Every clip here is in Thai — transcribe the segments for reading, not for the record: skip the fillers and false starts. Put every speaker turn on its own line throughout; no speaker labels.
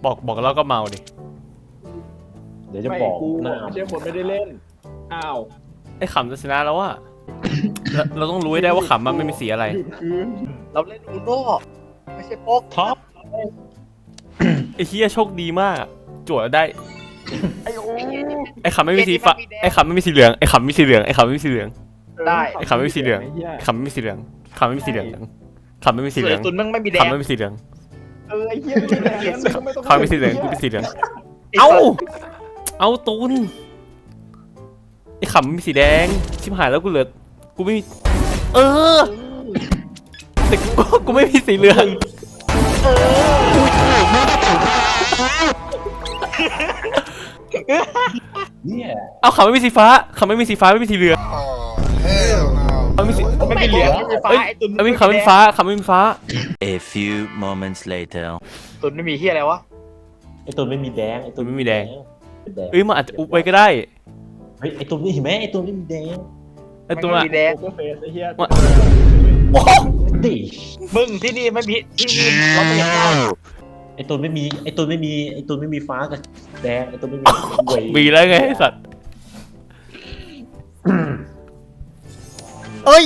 บอกแล้วก็เมาดิ
เดี๋ยวจะบอก
ไม่ใช่คนไม่ได้เล่นอ้าว
ไอ้ขำจะชนะแล้วอะเราต้องรู้ให้ได้ว่าขำมันไม่มีสีอะไร
หยุดคืน
เราเล่นอูโน่ไม่ใช่โป๊ก
ท็อป
ไอ้เฮียโชคดีมากจั่วได้
ไอ้โอ้
ไอ้ขำไม่มีสีฟ้าไอ้ขำไม่มีสีเหลืองไอ้ขำไม่มีสีเหลืองไอ้ขำไม่มีสีเหลือง
ได้
ไอ้ขำไม่มีสีเหลืองไอ้ขำไม่มีสีเหลืองขำไม่มีสีเหลืองขำไม่มีสีเหลือง
ตุนมึงไม่มีแดง
ขำไม่มีสีเหลือง
ไอ้เหี้ยไม่ได้งั้นมึงก็ไม่ต้อง
ขำไม่มีสีเหลืองกูเป็นสีเหลืองเอาตูนไอ้ขำไม่มีสีแดงชิบหายแล้วกูเหลือกูไม่มีแต่กูไม่มีสีเหลือง
เนี่ย
เอาขำไม่มีสีฟ้าขำไม่มีสีฟ้าไม่มีสีเหลืองไม่มีสี
ไม่มีเหลืองไม่มีฟ้าไอ้ตุน
ไม่มีขำไม่มีฟ้าขำไม่มีฟ้า
A few moments later
ตุนไม่มีเฮียอะไรวะ
ไอตุนไม่มีแดงไอตุน
ไม่มีแดง
เป็นแดง
เอ้ยมันอาจจะอุบไว้ก็ได้
เฮ้ยไอตุนนี่เห็นไหมไอตุนไม่มีแดง
ไอ้ตัว
ไม่
อะ
มีแดง
โป๊กเฟสไอ้เหี้ย
ดิ
มึงที่นี่ไม่มีที่นี่เราไม่เห็นหน้า
ไอตุนไม่มีไอตุนไม่มีฟ้ากับแดงไอตุนไม่มีเว้ย
มีแล้วไงไอ้สัตว์เอ้ย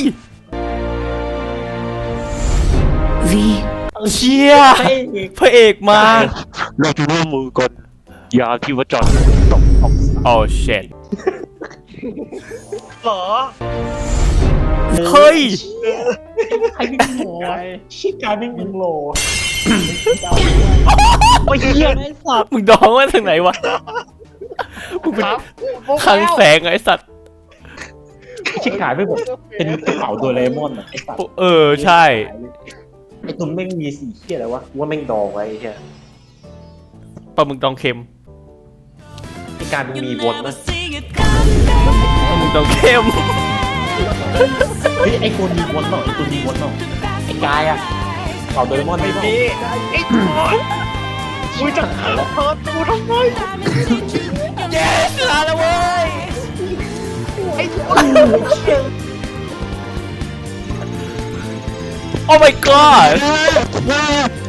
เชี่ยพระเอกมา
เราจะร่วมมือกันยาที่ว่าจอดตกออก
โอ้เช็ด
หรอ
เฮ้ย
ใครไม่มีโหชิการไม่มีโห
โอ้ยเฮียไอ้สัตว์
มึงดองมาถึงไหนวะมึงเป็น
ครับ
คลังแสงไอ้สัตว์
ชิการไม่บอกเป็นกระเป๋าโดเรมอนอ่ะไอสัตว์
ใช่
ไอตุนแม่งมีสีเขี้ยอะไรวะว่าแม่งดองไว้ไอ้เหี้ย
ปลาหมึกดองเค็ม
ไอการมึงมีวนมั้ย
ปลาหมึกดองเค็ม
เฮ้ยไอคนมีวนเปล่าไอตุนมีวนเปล่าไอกายอะกระเป๋าโดเรมอนไม่มี
นี่ไอ้ตุนกูจะขังเพิร์ดกูทำไม
เย้ชนะแล้วเว้ย
ไอ้ตุน
โอ้ my god